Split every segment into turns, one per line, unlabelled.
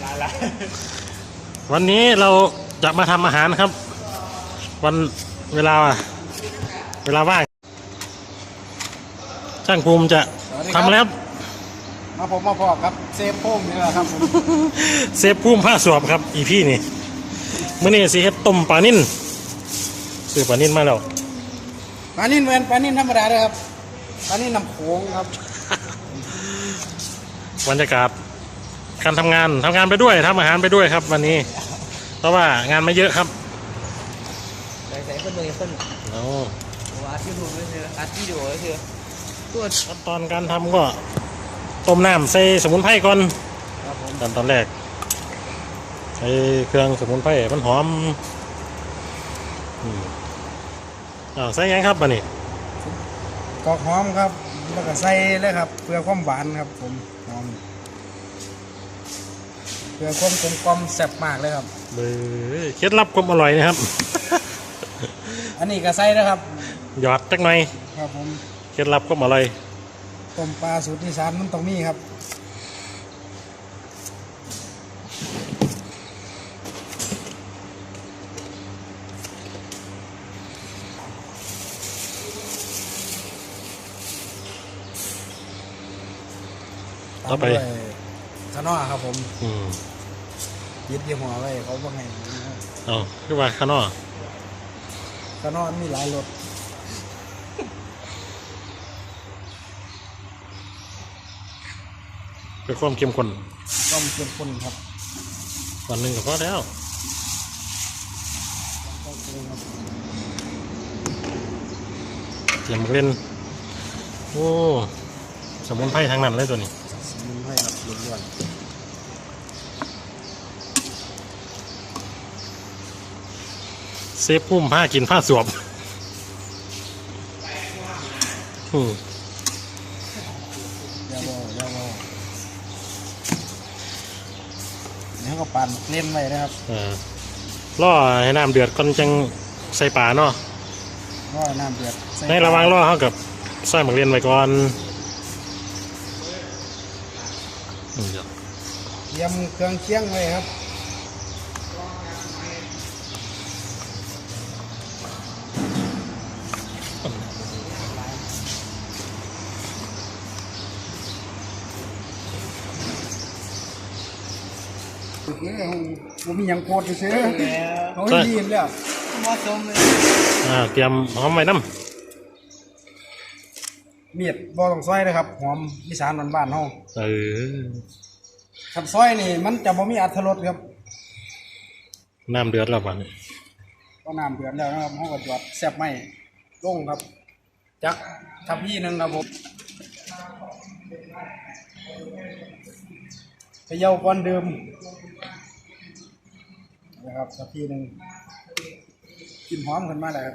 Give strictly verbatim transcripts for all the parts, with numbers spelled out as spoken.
วันนี้เราจะมาทำอาหารครับวันเวลาเวลาว่างช่างภูมิจะทำแล้ว
มาผมมาพอครับเซฟพุ่มนี่แหละครับผม
เซฟภูมิผ้าสวบครับอีพี่นี่มื้อนี้สิเฮ็ดต้มปลานิ่นซื้อปลานิ่นมาแล้ว
ปลานิ่นเหมือนปลานิ่นธรรมดาเลยครับปลานิ่นน้ำโขงครับ
บรรยากาศการทำงานทำงานไปด้วยทำอาหารไปด้วยครับวันนี้เพราะว่างานไม่เยอะครับ
ใส่ใส่คนเลยคน
โอ้
อัดวิดีโอเลยเถอะอัดวิดีโอเลยเถอะ
ตัวขั้นตอนการทำก็ต้มน้ำใส่สมุนไพรก่อนตอนตอนแรกใส่เครื่องสมุนไพรมันหอมอ้าวใส่ยังครับบัดนี้
กอกหอมครับแล้วก็ใส่เลยครับเพื่อความหวานครับผมหอมเพื่อความกลมกล่อมแซ่บมากเลยครับ
เบอร์เคล็ดลับความอร่อยนะครับ
อันนี้ก็ใส่นะครับ
หยอดจักหน่อย
ครับผม
เคล็ดลับความอร่อย
ต้มปลาสูตรอีสานมันต้องมีครับ
ต่อไป
ขนอครับผม
อืม
ยึดยี่ห้อไว้เขาว่าไง
อ๋อคือว่าขนอ
ขนอมีหลายรส
เป็นความเข้มข้น
ความเข้มข้นครับ
วันหนึ่งก็พอแล้วเตรียมเล่นโอ้สมุนไพรทางนั้นเลยตัวนี้
สมุนไพรครับล้วน
เซฟพุ่มผ้ากินผ้าสวมอืม
ยาวๆยาวๆนี่ก็ปั่นเล่นไว้นะครับ
อ่าล่อให้น้ำเดือดก่อนจังใส่ป่าเนาะ
ล่อน้ำเดือด
ในระหว่างล่อเขากับใส่หมักเรียนไว้ก่อน
เตรียมเครื่องเคียงไว้ครับโอเคผมมีอย่างโคตรเฉยๆเขาดีแล้ว
เหมาะสมเลย
อ่าเตรียมหอมไว้น้ำ
เมียดบ่ต้องซอยนะครับหอมอีสานบ้านๆเฮา
เออ
ขับซอยนี่มันจะบ่มีอรรถรสครับ
น้ำเดือดแล้วป่ะนี่
ก็น้ำเดือดแล้วนะครับเฮาก็จอดแซ่บไหมลงครับจักทับพี่นึงครับผมไปเยาก่อนเดิมนะครับทับพี่นึงกินหอมขึ้นมาแล้ว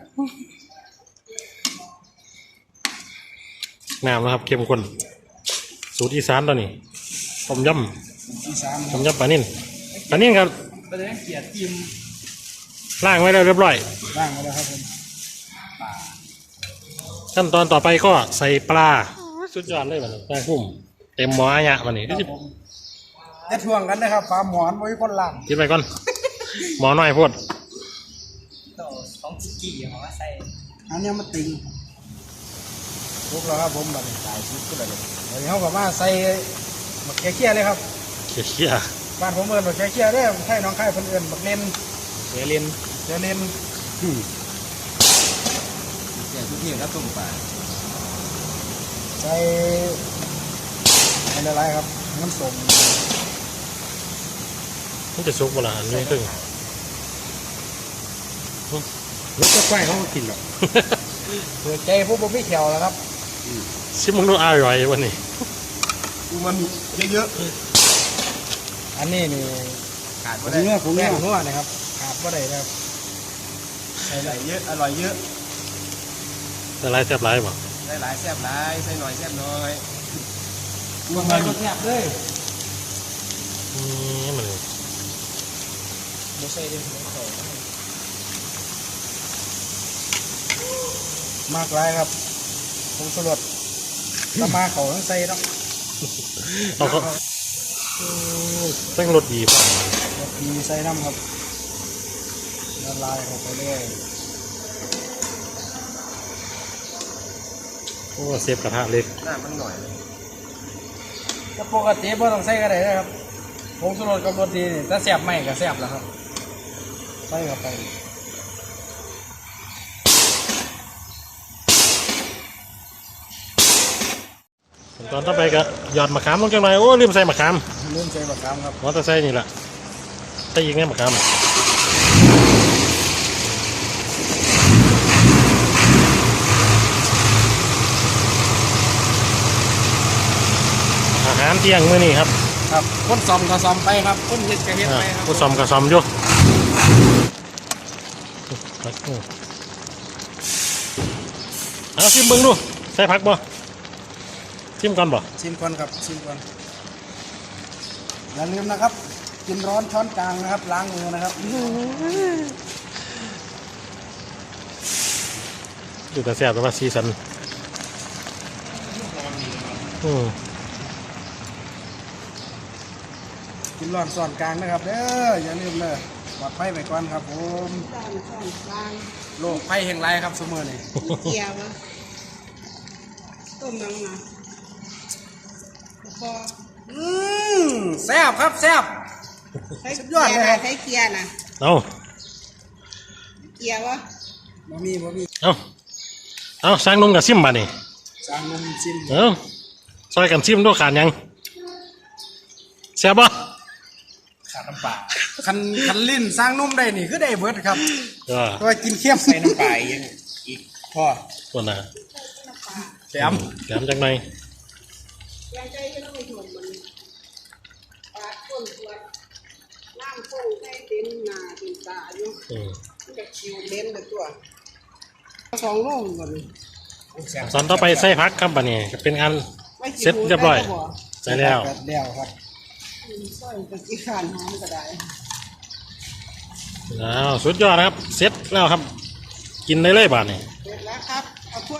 น้ำนะครับเข้มข้นสูตรอีสานตัวนี้ต้มยำต้มยำปลานิ่นปลานิ่นครับ
ประเด็นเกียรติกิม
ล้างไว้แล้วเรียบร้อย
ล้างไว้แล้วครับผม
ขั้นตอนต่อไปก็ใส่ปลาสุดยอดเลยมันแป้งพุ่มเต็มหม้อเนี่ยมันนี่ที่
จะทวงกันนะครับปลาหมอนไว้คนล่าง
กินไปก่อนหมอน้อยพูด
ต่อสองกี่หอใส่
อันนี้มันติงลุกแล้วครับผมแบบสายชุดก็ได้เลยเดี๋ยวเขาบอกว่าใส่หมักเคี้ยเลยครับ
เคี้ย
บ้านผมเอิญหมักเคี้ยได้ใช่น้องไข่เพิ่นเอิญหมักเล่น
เสียเล่น
เสียเล่น
เสียทุกที่แล้วตุ่มปลา
ใส่อะไรครับน้ำส้ม
มันจะซุกเวลาอันนี้ตึ้ง
รสก็ควายเขากินหรอกเปิดใจพวกผมไม่แขวแล้วครับ
ชิมมึงดูอร่อยวันนี้
มันเยอะๆอันนี้นี่ขาดไม่ได้เนื้อผมแน่หัวนะครับขาดไม่ได้ครับใส่หลายเยอะอร่อยเยอะ
ใส่หลายแซ่บหลายป่ะ
ใส่หลายแซ่บหลายใส่หน่อยแซ่บน้อย
รวมไปก็แซ่บเลย
นี่มันเลย
ไม่ใช่เรื่องของเขา
มากไรครับผมสลดตะมาเขาต้องใส่ต้อง
เอาเขาเส้นรสดีป่ะ
แล้วมีใส่น้ำครับละลายเข้าไปเลย
โอ้เซฟกระทะเล็ก
หน้ามันหน่อยเลยถ้าปกติบ่ต้องใส่ก็ได้นะครับผงชูรสกับรสดีนี่ถ้าแซ่บไม่ก็แซ่บแล้วครับใส่เข้าไป
ตอนต่อไปก็หยอดมะขามลงจังหน่อยโอ้ลืมใส่มะขาม
เริ่มใส่บะขามครับ
มอเตอร์ไซค์นี่แหละใส่ยิงไงมะขามอาหารเที่ยงมื้อนี้ครับ
ครับคนซ่อมก็ซ่อมไปครับคนเฮ็ดก็เฮ็ด
อ่า
ไปครับ
ผู้ซ่อมก็ซ่อมอยู่เอาชิมเบิ่งดูใส่ผักบ่ชิมก่อนบ่
ชิมก่อนครับชิมก่อนอย่าลืมนะครับกินร้อนช้อนกลางนะครับล้างมือนะครับ
ดูแต่แซ่บแต่ว่าซีซันอืม
กินร้อนช้อนกลางนะครับเด้ออย่าลืมเลยปลอดภัยไปก่อนครับผม
สอนสอนกลาง
โรคภัยแห่งไรครับสมอนี่
เกียวะต้มน้ำนะพอ
อืมแซ่บครับแซ่บ
ใช้
สุดย
เกี
อด
ย
เลย
ร์
ครั
นะ
บ
ใช้เกียร์นะ
เอา
เกียร์วะ
บะหมี่บะหมี่
เอาเอาสร้างนุ่มกับซิมมานี่
สร้างนมชิม
เอาซอยกันซิมด้วยขาดหยังแซ่บบ่
ขาดน้ำปลาคันคันลิ้นสร้างนุ่มได้นี่คือได้เบิดครับ
เออ
เพราะว่ากินเค็มใส่น้ำปลาอีกอีกพอ
คนน่ะ
แถม
แถมจังหน่อย
ยายใจไม่ต้องไปถ่วงมันปาดก้นตัวน้ำก้นใช้เป็นหนาเป็นตาอยู่
อืม
มันจะคิวเล่นเลยตัวสองโลก่อนเลย
ตอนต่อไปใส่ผักครับบัดนี้ก็เป็นอันเสร็จเรียบร้อยใส่แล้ว
แล้วครับ
ซอยตะกี้ขานหอมก็ได้
อ้าวสุดยอดนะครับเสร็จแล้วครับ กินได้เลยบาดนี้